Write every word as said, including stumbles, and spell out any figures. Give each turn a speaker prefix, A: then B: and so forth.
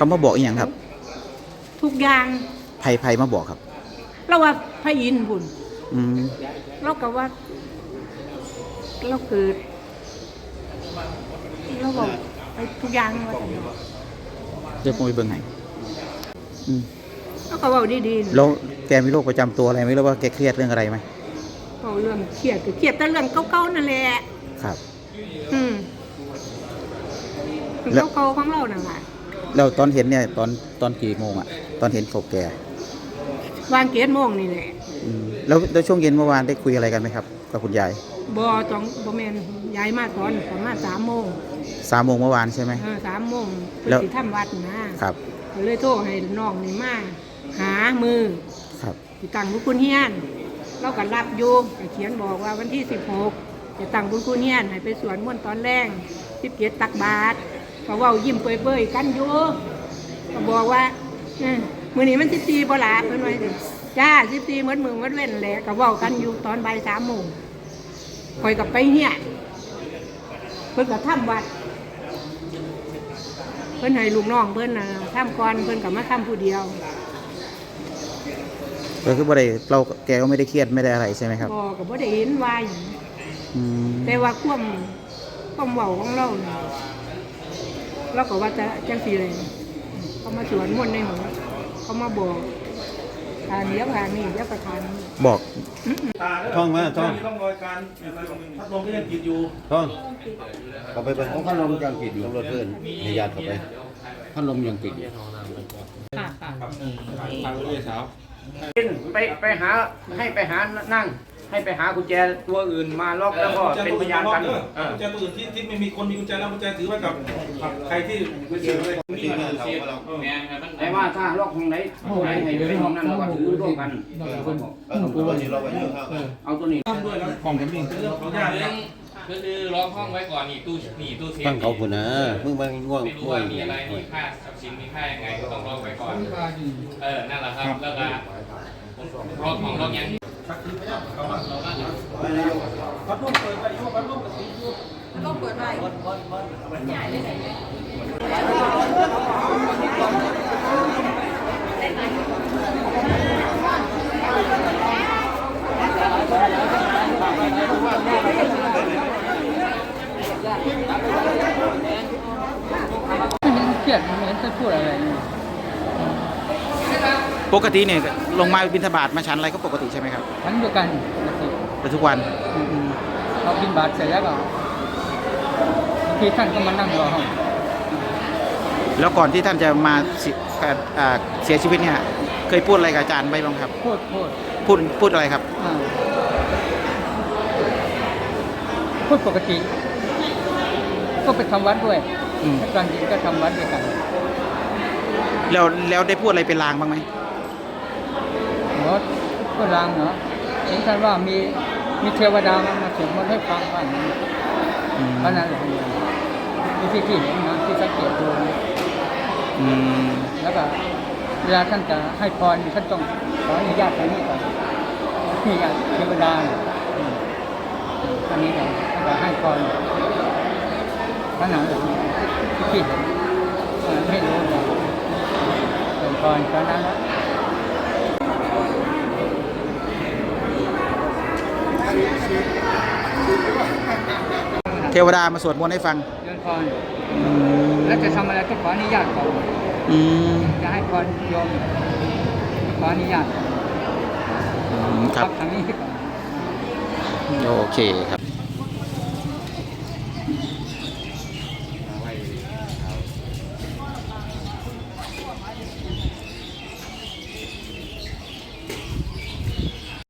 A: เขามาบอกอีกอย่างครับ
B: ทุกอย่าง
A: ไผ่ไผ่มาบอกครับ
B: เราว่าพระอินทร์บุญ
A: อืม
B: เราก็ว่าเราเกิดเราบอกไปทุกอย่างว่า
A: เดี๋ยวผมไปเบิ่งให้อืม
B: เราก็บอกดีๆ
A: แล้วแกมีโรคประจำตัวอะไรไหมหรือว่าแกเครียดเรื่องอะไรไหม
B: เอาเรื่องเครียดคือเครียดแต่เรื่องเก่าๆนั่นแหละ
A: ครับ
B: อืมเรื่องเก่าๆของเรานั่นแหละ
A: แล้วตอนเห็นเนี่ยตอนตอนกี่โมงอ่ะตอนเห็นศพแก
B: วางเกียรติโมงนี่แหละ
A: แล้วแล้วช่วงเย็นเมื่อวานได้คุยอะไรกันไหมครับกับคุณยาย
B: บอจองบอแมนยายมาตอนประมาณสามโมง
A: สามโมงเมื่อวานใช่ไหม
B: เออสามโมงแล้วสิทำวัดนะครับก็เลยโทรให้น้องนี่มาหามือ
A: ครับ
B: ที่ตั้งบุญคุณเฮียนเราก็รับอยู่แต่เขียนบอกว่าวันที่สิบหกจะตั้งบุญคุณเฮียนให้ไปสวนม่วนตอนแรกสิบเกียรติตักบาตรก็ว่ายิ้มเปื่อยๆกันอยู่ก็บอกว่ามือนี้มันสิบสี่บ่หลาเพิ่นไว้ดิจ้าสิบสี่เหมือนมือเหมือนเว้นแหละก็ว่ากันอยู่ตอนบ่ายสามโมงคอยกับไปเฮียนเพิ่นก็ทำวัดเพิ่นให้ลูกน้องเพิ่นน่ะทำก่อนเพิ่นก็มาทำผู้เดียว
A: ก็คือบ่ได้เราแกก็ไม่ได้เครียดไม่ได้อะไรใช่ไหมครับ
B: บ่ก็บ่ได้เห็นว่าหยังแต่ว่าความความเว้าของเราเนี่ยเราก็ว่าจะจังซี่เลยเขามาสวนมนต์ในหัวเขามาบอกทานเลี้ยงทานนี่เลี้ยงประทาน
A: บอก
C: ท่องมาท่อง
D: ต้องรอยการพัดลมก็ยังติดอยู่
C: ท่องกลับไปเป็นพัดลมยังติดอยู่รถเพื่อนในญาติกลับไปพัดลมยังติดอยู่
B: ค่ะค่ะ
D: ทางเรือเช้า
E: ไปไปหาให้ไปหานั่งให้ไปหากุญแจตัวอื่นมาล็อกแล้วก็เป็นพยานกัน
D: กุญแจตัวอื่นที่ที่ไม่มีคนมีกุญแจแล้วกุญแจถือไว้กับใครที่ไม่เสียเลยนี่มันเสีย
E: แต่ว่าถ้าล็อกห้องไหนห้องไหนให้เป็นห้องนั้นเราก็ถือร่วมกันเอาตัวนี้
D: ด้วยแล้วของกันนี่เรื่องของญาติ
F: ก็คือล็อกห้องไว้ก่อนนี่ตู้นี่ตู้เซฟ
C: ตั้งเขาผุนนะมึงมาง่วง
F: ไม่รู้ว่ามีอะไรมีค่าทรัพย์สินมีค่ายังไงก็ต้องล็อกไว้ก่อนเออนั่นแหละครับแล้วก็ล็อกของล็อกยัง
D: พัดลมเปิดไปพัดลมเปิดไป
B: ก็เปิดไปใหญ่เลยไหนเครียดไม่เห็นจะพูดอะไร
A: ปกติเนี่ยลงมาบิณฑบาตมาชั้นอะไรก็ปกติใช่ไหมครับ
B: ชั้นเดียวกัน
A: แต่ทุกวัน
B: เราบิณฑบาตเสร็จแล้วก็บางทีท่านก็มานั่งรอห้อง
A: แล้วก่อนที่ท่านจะมาเสียชีวิตเนี่ยเคยพูดอะไรกับอาจารย์ไหมบ้างครับ
B: พูดพูด
A: พูดพูดอะไรครับ
B: พูดปกติก็ไปทำวัดด้วยตอนเย็นก็ทำวัดด้วยกัน
A: แล้วแล้วได้พูดอะไรเป็นลางบ้างไหม
B: เนาะพูดลางเนาะเห็นท่านว่ามีมีเทวดามาสวดมนต์ให้ฟังว่าอย่างนี้เพราะนั้นแหละที่ที่เห็นนะที่สังเกตดูแล้วก็เวลาท่านจะให้พรท่านต้องขออนุญาตตรงนี้ก่อนนี่อย่างเทวดาอันนี้เราจะให้พรขนาดแบบที่เห็นไม่รู้เลยเป็นพรเพราะนั้น
A: เทวดามาสวดมนต์ให้ฟัง
B: เดินพรแล้วจะทำอะไรต้องขออนุญาตก่อนจะให้พรโยมขออนุญาต
A: ครับ
B: ทางนี้ก่อน
A: โอเคครับ